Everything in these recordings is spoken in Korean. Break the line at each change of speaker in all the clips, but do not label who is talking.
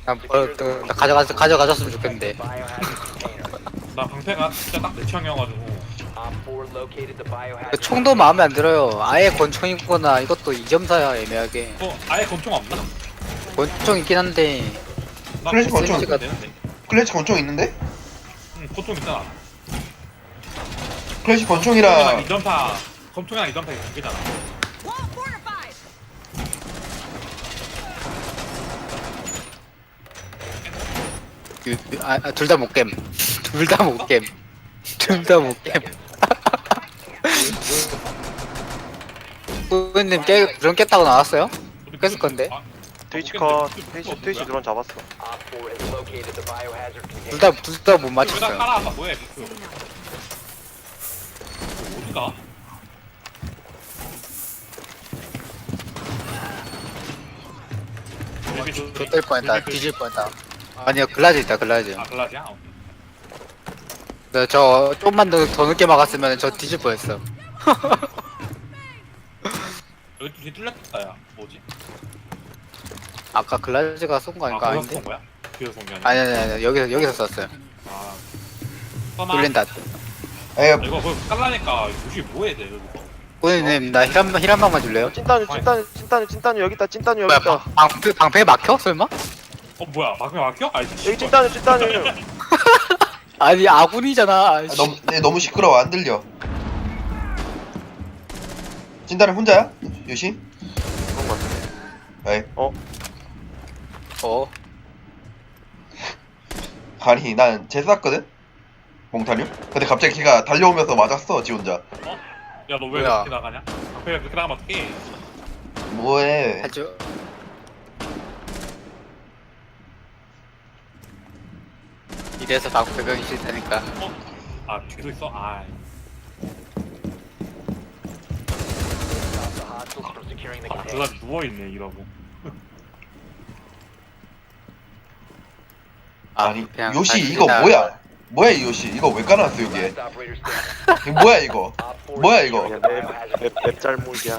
나 가져가졌으면 좋겠는데.
나 방패가 진짜 딱 내 취향이어가지고.
그 총도 마음에 안 들어요. 아예 권총이거나 이것도 2.4야 애매하게.
아예 권총 없나?
권총 있긴 한데
나
클래식 권총.
있으면 되는데.
클래식 권총 있는데?
응, 권총 있잖아.
클래식 권총이라
2.4 권총이랑 2.4 이잖아.
둘 다 못 겜. 둘 다 못 겜. 둘 다 못 겜. 부모님 드론 깼다고 나왔어요? 깼을 건데.
트위치 컷. 트위치 드론 잡았어.
둘 다 못
둘다
맞췄어요.
깔아. 뭐야 그 어디가?
좆될 뻔했다. 뒤질 뻔했다. 아니요 글라즈 있다 글라즈.
아 글라지야?
네, 저 좀만 더 늦게 막았으면 저 뒤질 뻔했어.
여기 뒤에 뚫렸다 야. 뭐지?
아까 글라즈가 쏜 거 아닌가?
거기서
아닌데?
쏜 거야? 뒤에서 쏜게 아니야?
아니 여기서 쐈어요.
아.
뚫린다.
에
이거 그거 깔라니까 요시 뭐 해야 돼 여기서?
부모님 나 힐 한 방만 줄래요?
찐따뉴 여기 있다. 찐따뉴 여기
뭐야
있다.
방패 막혀? 설마?
뭐야 막혀 막혀? 아니
여기 찐따뉴.
아니 아군이잖아.
너무 시끄러워 안 들려. 진단은 혼자야? 요시?
그런 거 같은데.
에이
어.
아니 난 제쐈거든? 몽타뉴? 근데 갑자기 걔가 달려오면서 맞았어 지 혼자.
야 너 왜
뭐야?
그렇게 나가냐? 방패가 그렇게 나가면 어떡해?
뭐해.
해줘. 이래서 방패병이 싫다니까.
아 뒤도 있어? 아 글라 누워있네 이러고.
아니
그냥
요시
다시
이거
나-
뭐야? 뭐야 이 요시 이거 왜 깔아놨어 여기에? 이거 뭐야 이거? 뭐야 이거?
그냥 맵 잘못이야.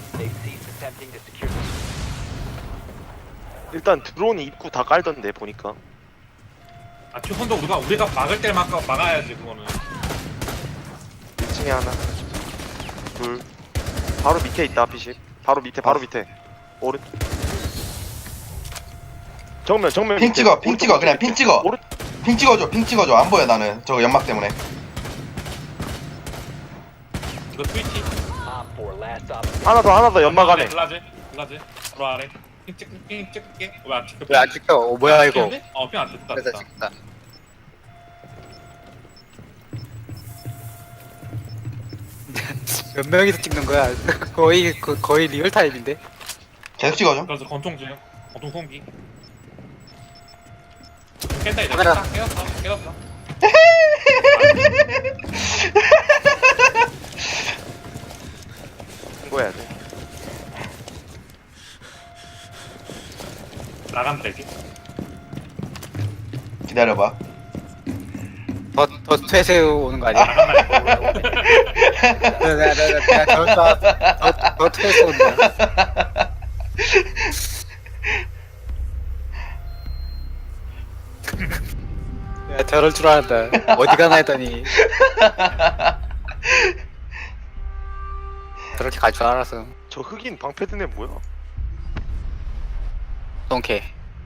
일단 드론이 입구 다 깔던데 보니까.
아 최선도 우리가 막을 때 막아야지 그거는.
1층에 하나. 둘. 바로 밑에 있다 피식. 바로 밑에. 오른. 정면.
핑 찍어 핑 찍어 그냥 핑 찍어.
오른.
핑 찍어줘 안 보여 나는 저거 연막 때문에.
이거 스위치.
하나 더 연막 안에.
글라즈 바로 아래. 핑 찍을게. 왜안 찍혀?
왜안 찍혀? 뭐야 이거?
핑안 찍혔다.
그래서 찍다. 몇 명이서 찍는 거야? 거의 리얼 타임인데.
계속 찍어줘.
그래서 권총 송기. 깼다 이제.
카메라.
깨웠어.
신고해야 돼.
나간다 이제.
기다려봐.
더 퇴세 오는 거 아니야? 내가 더 퇴세 온다. 야 저럴 줄 알았다. 어디 가나 했더니 저렇게 갈 줄 알았어.
저 흑인 방패 든 애 뭐야?
똥개.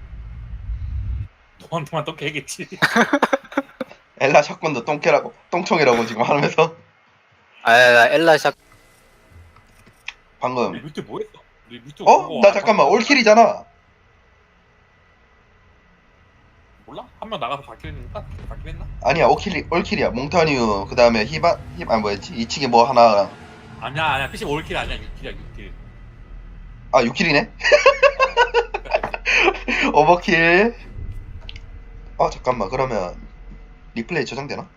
너한테만 또 깨겠지.
엘라 샷건도 똥개라고 똥총이라고 지금 하면서
나 엘라 샷.
방금.
뮤트 뭐했어? 뮤트
어? 나 잠깐만 올킬이잖아.
몰라? 한 명 나가서 바뀌긴 했나?
아니야 올킬이야. 몽타뉴 그 다음에 아 뭐였지? 2층에 뭐 하나.
아니야 PC 올킬 아니야 6킬이야 6킬.
아 6킬이네? 오버킬. 잠깐만 그러면 리플레이 저장되나?